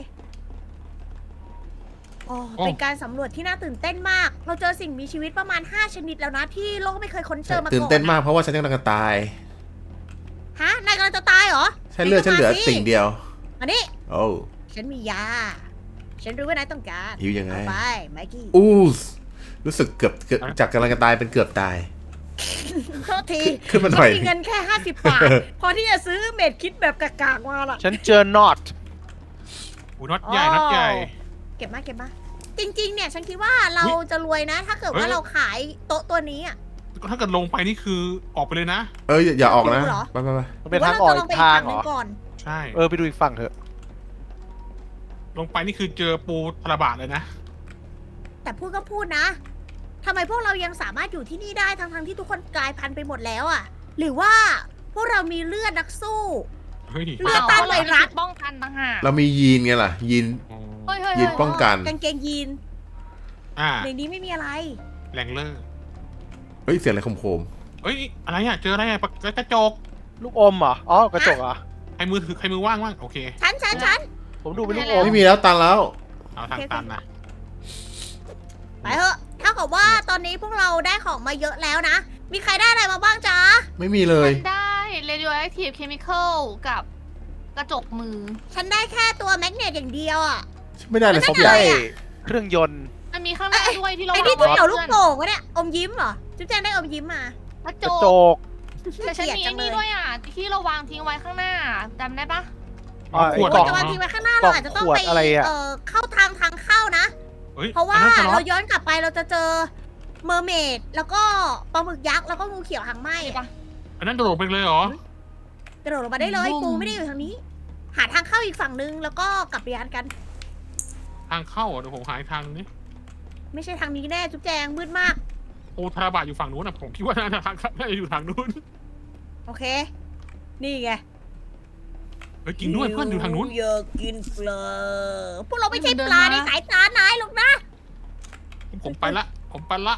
Speaker 1: โอ้เป็นการสำรวจที่น่าตื่นเต้นมาก เราเจอสิ่งมีชีวิตประมาณห้าชนิดแล้วนะที่โลกไม่เคยค้นเจอมาก่อน
Speaker 2: ตื่นเต้นมากเพราะว่าฉันกำลังจะตาย
Speaker 1: ฮะนายกำลังจะตายเหรอ
Speaker 2: ใช่เลือดฉันเหลือติ่งเดียว
Speaker 1: อันนี้
Speaker 2: โอ้
Speaker 1: ฉันมียา ฉันรู้ว่านายต้องการ
Speaker 2: หิวยังไง
Speaker 1: เอาไปไมกี้
Speaker 2: อู้สรู้สึกเกือบเกือบจากกำลังจะตายเป็นเกือบตาย
Speaker 1: โทษที
Speaker 2: ขึ้นมาหน่อย
Speaker 1: ฉัมีเงินแค่ห้าสิบบาท พอที่จะซื้อเม็ดคิดแบบกากๆมาล่ะ
Speaker 5: ฉันเจอน็อต
Speaker 3: อู้น็อตใหญ่น็อตใหญ่
Speaker 1: เก็บมาเก็บมา จริง ๆ เนี่ย ฉันคิดว่าเรา
Speaker 3: อุ๊ย
Speaker 1: จะรวยนะ ถ้าเกิด
Speaker 3: เฮ้
Speaker 1: ว่าย เราขายโต๊ะตัวนี้อ่ะ
Speaker 3: ถ้าเกิดลงไปนี่คือออกไปเลยนะ
Speaker 2: เอออย่าอย่าออกนะ
Speaker 1: หิวเหรอ
Speaker 2: ไปไปไป
Speaker 5: มันเป็นทางออก
Speaker 1: หรื
Speaker 5: อี
Speaker 1: ว่
Speaker 5: ก
Speaker 1: เรจะลงไป
Speaker 5: ทางเหรอ
Speaker 1: นึ่ก่อน
Speaker 3: ใช่
Speaker 5: เออ ไปดูอีกฝั่งเถอะ
Speaker 3: ลงไปนี่คือเจอปูทระบาดเลยนะ
Speaker 1: แต่พูดก็พูดนะทำไมพวกเรายังสามารถอยู่ที่นี่ได้ทั้งๆที่ทุกคนกลายพันธุ์ไปหมดแล้วอ่ะ หรือว่าพวกเรามีเลือดนักสู้
Speaker 3: เฮ้ย
Speaker 1: เลือดต้านไวรัส
Speaker 4: ป้องกันต่างหาก
Speaker 2: เรามียีนไงล่ะ ยีน
Speaker 3: อ๋อ
Speaker 4: เฮ้ยเฮ้ย
Speaker 2: ยืนป้องกัน
Speaker 1: กางเกงยีน
Speaker 3: อ่า
Speaker 1: ในนี้ไม่มีอะไร
Speaker 3: แรงเลอร์
Speaker 2: เฮ้ยเสียงอะไรโคม
Speaker 3: เฮ้ยอะไรอ่ะเจออะไรอ่ะปะกระจก
Speaker 5: ลูกอมเหรอ อ๋อ กระจกเหรอ
Speaker 3: ใครมือถือใครมือว่างว่างโอเค
Speaker 1: ฉันฉันฉัน
Speaker 5: ผมดูเป็นลูก
Speaker 2: ๆ
Speaker 5: อม
Speaker 2: ไม่มีแล้วตันแล้ว
Speaker 3: เอาทางตันนะ
Speaker 1: ไปเถอะเท่ากับว่าตอนนี้พวกเราได้ของมาเยอะแล้วนะ มีใครได้อะไรมาบ้างจ๊ะ
Speaker 2: ไม่มีเลย
Speaker 4: ฉันได้ radioactive chemical กับกระจกมือ
Speaker 1: ฉันได้แค่ตัวแมกเนตอย่างเดียวอ่ะ
Speaker 2: ไม่ได้เลย
Speaker 1: ไม่
Speaker 2: สัก
Speaker 1: ได้
Speaker 2: อ
Speaker 5: ได้
Speaker 2: ย่าง
Speaker 5: เครื่องยนต์
Speaker 4: มันมีข้างหน้าด้วยที่เรา
Speaker 1: ไอ้นี่
Speaker 4: วาง
Speaker 1: ที่เกี่ยวลูก
Speaker 4: พื่อน
Speaker 1: โป่งวะเนี่ย อมยิ้มเหรอ จุ๊บแจงได้อมยิ้มมา
Speaker 4: กระ
Speaker 5: ก
Speaker 4: จ
Speaker 5: ระ
Speaker 4: ก
Speaker 5: จก
Speaker 4: แต่ฉันมีไอ้นี่ด้วยอ่ะ ที่เราวางทิ้งไว้ข้างหน้าจำได้ปะ
Speaker 5: อ่า
Speaker 3: ขวด
Speaker 5: ไอ้กล่
Speaker 1: เรา
Speaker 5: อง
Speaker 1: จะวางทิ้งไว้ข้างหน้า
Speaker 5: กล่
Speaker 1: เรา
Speaker 5: อง
Speaker 1: อาจจะต้อง
Speaker 5: ขวด
Speaker 1: ไป
Speaker 5: อะไรอะ
Speaker 1: เอ่อเข้าทางทางเข้านะ
Speaker 3: เฮ้ย
Speaker 1: เพราะว่า
Speaker 3: อันนั้นจะล็
Speaker 1: เรา
Speaker 3: อก
Speaker 1: ย้อนกลับไปเราจะเจอเมอร์เมดแล้วก็ปลาหมึกยักษ์แล้วก็งูเขียวหางไหม
Speaker 4: ใช่ปะ
Speaker 3: อันนั้นโดดลงไปเลยเหรอ
Speaker 1: กระโดดลงมาได้เลย
Speaker 4: บุ้ม
Speaker 1: ปูไม่ได้อยู่ทางนี้ หาทางเข้าอีกฝั่งนึงแล้วก็กลับไปยานกัน
Speaker 3: ทางเข้าอ่ะเดี๋ยวผมหาอีกทางนึงนี่
Speaker 1: ไม่ใช่ทางนี้แน่จุ๊บแจงมืดมาก
Speaker 3: ปูทระบาดอยู่ฝั่งนู้นอ่ะผมคิดว่าน่าจะทางน่าจะอยู่ทางนู้น
Speaker 1: โอเค นี่ไง
Speaker 3: เฮ้ยจริงด้วยเพื่อนอยู่ทางนู้น
Speaker 1: อยากกินปลาพวกเราไม่ใช่ปลาในสายตานายหรอกนะ
Speaker 3: ผมไปละ ผมไปละ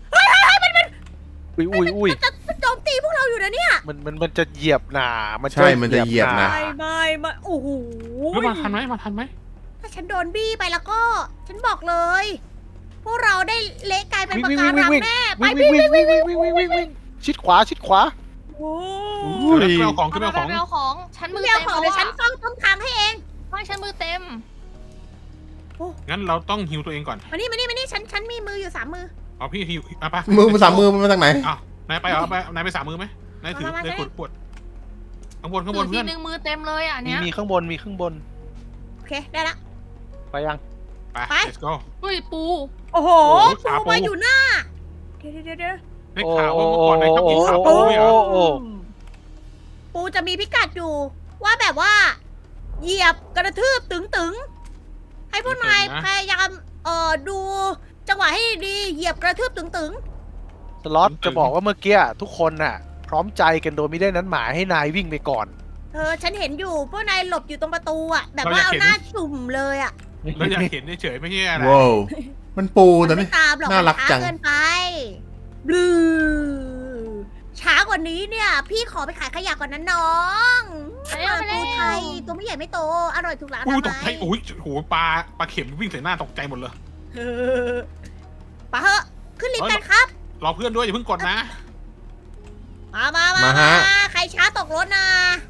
Speaker 5: อุ้ยอุ้ยอุ้ย
Speaker 1: มันจะโจมตีพวกเราอยู่นะเนี่ย
Speaker 5: มันมันมันจะเหยียบหนามัน
Speaker 2: ใช่มันจะเหยียบนะ
Speaker 1: ไม่ไม่ไม่โอ้โห
Speaker 3: แล้วมาทันไหมมาทันไหม
Speaker 1: ถ้าฉันโดนบี้ไปแล้วก็ ฉันบอกเลย พวกเราได้เละกลายเป็น
Speaker 5: วิ่ง
Speaker 1: ปะ
Speaker 5: วิ่ง
Speaker 1: กา
Speaker 5: วิ่ง
Speaker 1: รัง
Speaker 5: วิ่ง
Speaker 1: แน่ไป
Speaker 5: วิ่ง
Speaker 1: พี่
Speaker 5: วิ่งวิ่งวิ่งวิ่งวิ่งวิ่งวิ่งชิดขวาชิดขวา
Speaker 1: โอ้
Speaker 5: อุ้ย
Speaker 3: เดี๋ยวไปเอาของขึ้นไป
Speaker 4: เอา
Speaker 3: เอา
Speaker 4: ไป
Speaker 3: ของ
Speaker 4: เอาของ ฉันมือ
Speaker 1: เดี๋ยว
Speaker 4: เต็ม
Speaker 1: ขอ
Speaker 4: แล้ว
Speaker 1: เดี๋ยวฉัน
Speaker 4: อะ
Speaker 1: เฝ้าต้นทางให้เอง
Speaker 4: ไม่ฉันมือเต็ม
Speaker 3: งั้นเราต้องฮิวตัวเองก่อน
Speaker 1: มานี่มานี่มานี่ฉันฉันมีมืออยู่สามมือ
Speaker 3: เอาพี่ฮิวอ่ะไป
Speaker 2: มือมันสามมือมันมาจากไหน
Speaker 3: อ้าวนายไปเหรอไปนายไปสามมือไหมนายถือ
Speaker 1: มามามา
Speaker 3: นายขวดขวดข้างบนข้างบ
Speaker 4: ถื
Speaker 3: น
Speaker 4: อที
Speaker 3: เพื่อน
Speaker 4: นึงมือเต็มเลยอ่ะ
Speaker 5: มี
Speaker 4: เนี้ย
Speaker 5: มีข้างบนมีข้างบน
Speaker 1: โอเคได้ละ
Speaker 5: ไปยัง
Speaker 3: ไป
Speaker 1: ไป
Speaker 3: let's go
Speaker 4: อุ้ยปู
Speaker 1: โอ้โห
Speaker 3: โอ้โห
Speaker 1: ปู
Speaker 3: ขาปู
Speaker 1: มาอยู่หน้า เดี๋ยวเดี๋ยวเดี๋ยว
Speaker 3: ได้ข่าวว่าเมื่อก่อนนายชอบกินขาปูไม่เหรอ
Speaker 5: โอ้
Speaker 1: ปูจะมีพิกัดอยู่ว่าแบบว่า เหยียบกระทืบตึงตึงๆให้พวกนายพยายามเอ่อดูจังหวะให้ดีเหยียบกระทืบตึงตึง
Speaker 5: สล็อตจะบอกว่าเมื่อกี้ทุกคนน่ะ พร้อมใจกันโดยไม่ได้นั้นหมายให้นายวิ่งไปก่อน
Speaker 1: ๆเออฉันเห็นอยู่พวกนายหลบอยู่ตรงประตูอะแบบว่าเอาหน้าจุ่มเลยอะ
Speaker 3: เราอยากเห็นเฉยๆไม่ใช่อะไร
Speaker 2: ว้าวมันปูแต่
Speaker 1: มัน
Speaker 2: ไม่
Speaker 1: ไม่ตามหรอก
Speaker 2: น่ารัก
Speaker 1: มัน
Speaker 2: จั
Speaker 1: ช้าง เกินไปบลูช้ากว่านี้เนี่ย พี่ขอไปขายขยะก่อนนะน้อง
Speaker 4: ไปเร็วไปเร็ว
Speaker 1: ปูไทยตัวไม่ใหญ่ไม่โต อร่อยถูกหลักอ
Speaker 3: อู้
Speaker 1: นา
Speaker 3: ตกใจ
Speaker 1: มัย
Speaker 3: โอ้ยโหปลาปลาเข็มวิ่งใส่หน้าตกใจหมดเลย
Speaker 1: เออไปเถอะขึ้นลิฟต์กันครับ
Speaker 3: รอเพื่อนด้วยอย่าเพิ่งกดนะ
Speaker 1: มามามา
Speaker 2: มาฮะ
Speaker 1: มาใครช้าตกรถนะ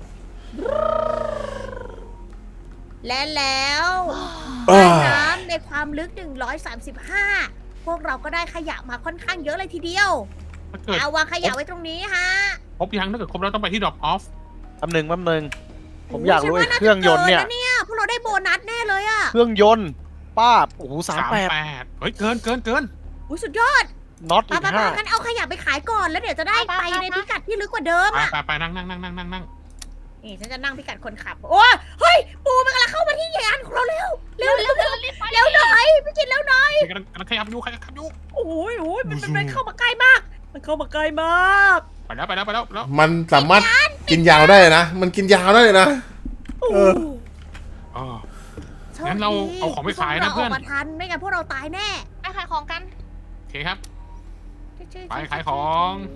Speaker 1: และแล้ว
Speaker 2: อ้า
Speaker 1: ใต้น้ำในความลึก หนึ่งร้อยสามสิบห้า พวกเราก็ได้ขยะมาค่อนข้างเยอะเลยทีเดียว
Speaker 3: ถ้าเกิด
Speaker 1: เอาวางขยะไว้ตรงนี้ฮะ
Speaker 3: ครบยังถ้าเกิดครบแล้วต้องไปที่ drop off
Speaker 5: แป๊บหนึงแป๊บหนึงผมอยากรู้ไอ้เครื่องยนต์เนี่ย
Speaker 1: โฉัว่าาจะกิะพวกเราได้โบนัสแน่เลยอะ
Speaker 5: เครื่องยนต์ป้าบโอ้โหสามแปด
Speaker 3: ดเฮ้ยเกินเกินเกิน
Speaker 1: อุ้ยสุดยอด
Speaker 5: น็อต
Speaker 1: ไป
Speaker 5: อีก
Speaker 1: ไปไป
Speaker 5: ห้า
Speaker 1: งั้นเอาขยะไปขายก่อนแล้วเดี๋ยวจะได้
Speaker 4: ไป
Speaker 1: ไป
Speaker 4: ไป
Speaker 1: ใน
Speaker 4: ไป
Speaker 1: พิกัดที่ลึกกว่าเดิม
Speaker 3: ไป
Speaker 1: อะ
Speaker 3: ไปไปนั่งนั่งนั่งนั่งนั่งนั่ง
Speaker 1: นี่ฉันจะนั่งพิกัดคนขับ โอ้ยเฮ้ย ปูมันกำลังเข้ามาที่ยานของเราเร็ว เร็วเร็วเร็ว
Speaker 4: รีบไป
Speaker 1: เร็วหน่อยพี่กินเร็วหน่อย
Speaker 3: กำลังกำลังขยับอยู่ขยับอยู่
Speaker 1: โอ้ยโอ้ยมันมันมันเข้ามาใกล้มาก มันเข้ามาใกล้มาก
Speaker 3: ไปแล้วไปแล้วไปแล้วแล้ว
Speaker 2: มันสามารถกินยาวได้เลยนะ มันกินยาวได้เลยนะ
Speaker 1: โอ้
Speaker 2: เออ
Speaker 3: อ๋อ
Speaker 1: โช
Speaker 3: งั้
Speaker 1: คน
Speaker 3: เรา
Speaker 1: ดี
Speaker 3: เอาของไปขายนะ
Speaker 1: พวก
Speaker 3: เพื่อน
Speaker 1: รออกมาทันไม่งั้นพวกเราตายแน่
Speaker 4: ไปขายของกัน
Speaker 3: โอเคครับ ไปขายของ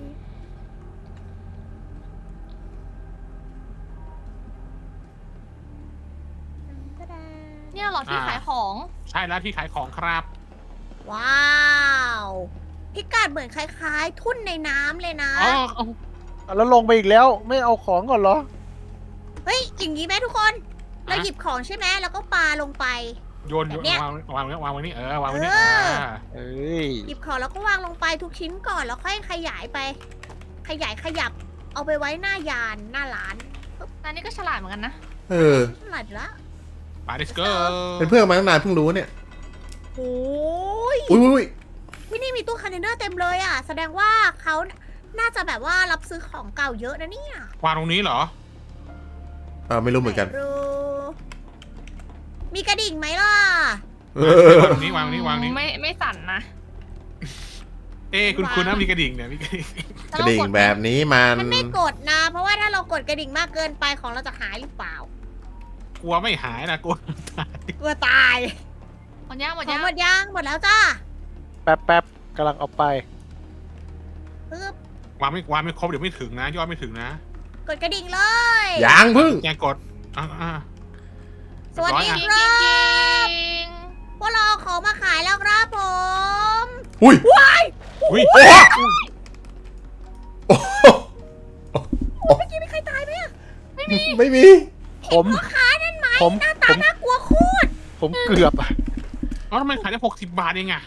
Speaker 4: เนี่ยเหรอที่ขายของ
Speaker 3: ใช่แล้วที่ขายของครับ
Speaker 1: ว้าว พิกัดเหมือนคล้ายๆ ทุ่นในน้ำเลยนะ
Speaker 3: อ๋อเอา
Speaker 5: แล้วลงไปอีกแล้วไม่เอาของก่อนเหรอ
Speaker 1: เฮ้ย อย่างนี้ไหมทุกคน เราหยิบของใช่ไหมแล้วก็ปาลงไป
Speaker 3: โยนโยน
Speaker 1: แบบเนี้ย
Speaker 3: วางวางวางไว้นี่เออวางไว้นี่
Speaker 1: เอ
Speaker 3: เอ
Speaker 1: อ
Speaker 3: อ
Speaker 5: เอ้ย
Speaker 1: หยิบของแล้วก็วางลงไปทุกชิ้นก่อนแล้วค่อยขยายไป ขยายขยับ เอาไปไว้หน้ายานหน้าร้าน
Speaker 4: อันนี้ก็ฉลาดเหมือนกันนะ
Speaker 2: เออ
Speaker 1: ฉลาดอยู่แล้ว
Speaker 3: ไป let's go
Speaker 2: เป็นเพื่อนมาตั้งนานเพิ่งรู้เนี่ย
Speaker 1: โอ้ย
Speaker 2: อุ้ยอุ้ย
Speaker 1: ที่นี่มีตู้คอนเทนเนอร์เต็มเลยอ่ะ แสดงว่าเขาน่าจะแบบว่ารับซื้อของเก่าเยอะนะเนี่ยว
Speaker 3: างตรงนี้เหรอ
Speaker 2: เออไม่รู้เหมือนกัน
Speaker 1: ไหรู้มีกระดิ่งไหมล่ะ
Speaker 2: เอ
Speaker 3: วาง
Speaker 2: อ
Speaker 3: ตรงนี้วางตรงนี้วางนี้
Speaker 4: ไม่ไม่สั่นนะ
Speaker 3: เอ้คุณคุณนะมีกระดิ่งเนี่ยมีกระดิ่ง
Speaker 2: กระดิ่งแบบนี้มัน
Speaker 1: มันไม่กดนะ เพราะว่าถ้าเรากดกระดิ่งมากเกินไปของเราจะหายหรือเปล่าก
Speaker 3: ลัวไม่หายนะกลัว
Speaker 1: กลัวตาย
Speaker 4: หมดย่างหมด
Speaker 1: ของ
Speaker 4: ย่าง
Speaker 1: หมดยังหมดแล้วจ้า
Speaker 5: แป๊บแป๊บกำลังเอาไป
Speaker 1: ปึ๊บ
Speaker 3: วางไม่วางไม่ครบเดี๋ยวไม่ถึงนะยอดไม่ถึงนะ
Speaker 1: กดกระดิ่งเลย
Speaker 2: ยางพึ่ง
Speaker 3: แกกดอ่าอ่า
Speaker 1: สวัสดี
Speaker 3: เรียบ
Speaker 1: ค
Speaker 3: ร้อย
Speaker 1: รั
Speaker 3: อะ
Speaker 1: บ พวกเราเอาของมาขายแล้วครับผม
Speaker 2: อุ้ย
Speaker 3: อุ้ย
Speaker 2: โอ้โหโอ้โห
Speaker 1: เมื่อกี้มีใครตายไหมอะ
Speaker 2: ไม่มี
Speaker 5: ผม
Speaker 1: พ่อค้านั่นไหม
Speaker 5: ผม
Speaker 1: หน้า
Speaker 5: ผ
Speaker 1: ตาม น่ากลัวโคตร
Speaker 5: ผมเกือบอะ
Speaker 3: เอ้าทำไมขายได้หกสิบบาทเองอะ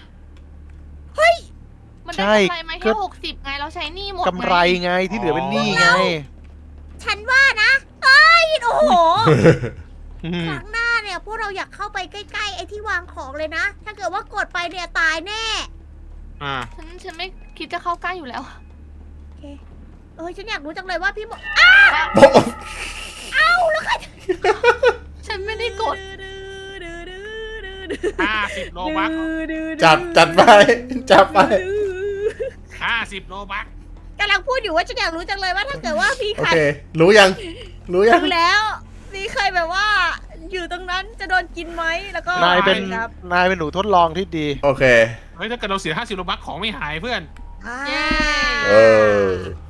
Speaker 4: มัน
Speaker 5: ใช่
Speaker 4: ได้กำไรไหม
Speaker 5: ก็
Speaker 4: แค่หกสิบไงเราใช้หนี้หมด
Speaker 5: กำไรไงที่เหลือเป็นหนี้ไง
Speaker 1: ฉันว่านะเอ้ยโอ้โห
Speaker 5: อืม
Speaker 1: ครั้งหน้าเนี่ยพวกเราอยากเข้าไปใกล้ๆไอ้ที่วางของเลยนะ ถ้าเกิดว่ากดไปเนี่ยตายแน่
Speaker 3: อ่า
Speaker 4: ฉันฉันไม่คิดจะเข้าใกล้อยู่แล้ว
Speaker 1: เออฉันอยากรู้จังเลยว่าพี่บอก
Speaker 4: ฉันไม่ได้กด
Speaker 3: ห้าสิบโลบัก
Speaker 2: จัดจัดไป จัดไป
Speaker 3: ห้าสิบโลบัก
Speaker 1: กำลังพูดอยู่ว่าฉันอยากรู้จังเลยว่าถ้าเกิดว่าพี่
Speaker 2: โอ
Speaker 1: ใคร
Speaker 2: เค รู้ยัง รู้ยัง
Speaker 1: รู้แล้วมีใครแบบว่า อยู่ตรงนั้นจะโดนกินไหมแล้วก็
Speaker 5: นายเป็น
Speaker 1: ครับ
Speaker 5: นายเป็นหนูทดลองที่ดี
Speaker 2: โอเค
Speaker 3: เฮ้ยถ้าเกิดเราเสียห้าสิบโลบักของไม่หายเพื่อน
Speaker 1: อ่า
Speaker 4: เย้
Speaker 2: เออ